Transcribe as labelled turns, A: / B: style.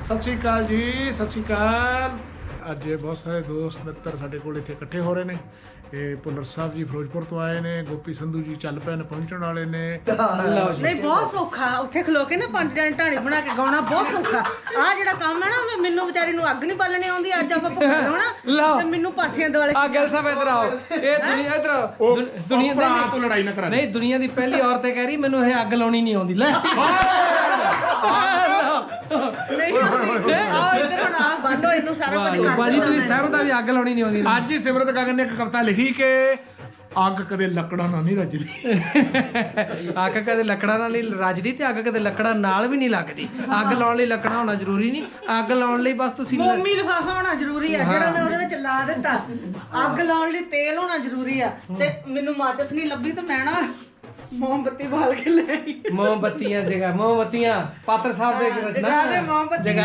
A: ਸਤਿ ਸ਼੍ਰੀ ਅਕਾਲ ਜੀ, ਸਤਿ ਸ਼੍ਰੀ ਅਕਾਲ। ਅੱਜ ਬਹੁਤ ਸਾਰੇ ਦੋਸਤ ਮਿੱਤਰ ਸਾਡੇ ਕੋਲ ਇੱਥੇ ਇਕੱਠੇ ਹੋ ਰਹੇ ਨੇ। ਇਹ ਭੁੱਲਰ ਸਾਹਿਬ ਜੀ ਫਿਰੋਜ਼ਪੁਰ ਤੋਂ ਆਏ ਨੇ, ਗੋਪੀ ਸੰਧੂ ਜੀ ਚੱਲ ਪਏ ਨੇ, ਪਹੁੰਚਣ ਵਾਲੇ ਨੇ।
B: ਨਹੀਂ ਬਹੁਤ ਸੌਖਾ ਉੱਥੇ ਖਲੋ ਕੇ ਨਾ 5 ਜਣ ਢਾਣੀ ਬਣਾ ਕੇ ਗਾਉਣਾ ਬਹੁਤ ਸੌਖਾ। ਆ ਜਿਹੜਾ ਕੰਮ ਹੈ ਨਾ ਮੈਨੂੰ ਵਿਚਾਰੀ ਨੂੰ ਅੱਗ ਨਹੀਂ ਬਾਲਣੀ ਆਉਂਦੀ। ਅੱਜ ਆਪਾਂ ਭੁੱਖਾ ਹੋਣਾ ਤੇ ਮੈਨੂੰ ਪਾਥੀਆਂ ਦੁਆਲੇ।
C: ਆ ਗੱਲ ਸਾਹਿਬ ਇਧਰ ਆਓ। ਇਹ ਦੁਨੀਆ ਇਧਰ ਆਓ। ਦੁਨੀਆ
A: ਭਰਾ ਤੋਂ ਲੜਾਈ ਨਾ ਕਰਾ।
C: ਨਹੀਂ, ਦੁਨੀਆ ਦੀ ਪਹਿਲੀ ਔਰਤ ਇਹ ਕਹਿ ਰਹੀ ਮੈਨੂੰ ਇਹ ਅੱਗ ਲਾਉਣੀ ਨਹੀਂ ਆਉਂਦੀ। ਲੈ
B: ਨਹੀਂ ਆ ਇੱਧਰ ਹੁਣ ਆ ਬਾਲੋ ਇਹਨੂੰ ਸਾਰਾ ਕੁਝ ਕਰ।
C: ਬਾਜੀ ਤੁਸੀਂ ਸਹਿਮਤ ਆ ਵੀ ਅੱਗ ਲਾਉਣੀ ਨਹੀਂ ਆਉਂਦੀ?
A: ਅੱਜ ਹੀ ਸਿਮਰਤ ਗਗਨ ਨੇ ਇੱਕ ਕਵਿਤਾ ਲਿਖੀ ਕਿ ਅੱਗ ਕਦੇ ਲੱਕੜਾਂ ਨਾਲ ਨਹੀਂ ਰੱਜਦੀ।
C: ਅੱਗ ਕਦੇ ਲੱਕੜਾਂ ਨਾਲ ਨਹੀਂ ਰੱਜਦੀ ਤੇ ਅੱਗ ਕਦੇ ਲੱਕੜਾਂ ਨਾਲ ਵੀ ਨਹੀਂ ਲੱਗਦੀ। ਅੱਗ ਲਾਉਣ ਲਈ ਲੱਕੜਾਂ ਹੋਣਾ ਜ਼ਰੂਰੀ ਨਹੀਂ। ਅੱਗ ਲਾਉਣ ਲਈ ਬਸ ਤੁਸੀਂ
B: ਮੋਮੀ ਲਿਫਾਫਾ ਹੋਣਾ ਜ਼ਰੂਰੀ ਆ ਜਿਹੜਾ ਮੈਂ ਉਹਦੇ ਵਿੱਚ ਲਾ ਦਿੱਤਾ। ਅੱਗ ਲਾਉਣ ਲਈ ਤੇਲ ਹੋਣਾ ਜ਼ਰੂਰੀ ਆ ਤੇ ਮੈਨੂੰ ਮਾਚਸ ਨਹੀਂ ਲੱਭੀ ਤੇ ਮੈਂ ਨਾ ਮੋਮਬੱਤੀ ਬਾਲ ਕੇ ਲੈ ਆਈ।
C: ਮੋਮਬੱਤੀਆਂ ਜਗਾ ਮੋਮਬੱਤੀਆਂ ਪਾਤਰ ਸਾਹਿਬ ਦੇ ਰਚਨਾ
B: ਜਗਾ ਦੇ ਮੋਮਬੱਤੀ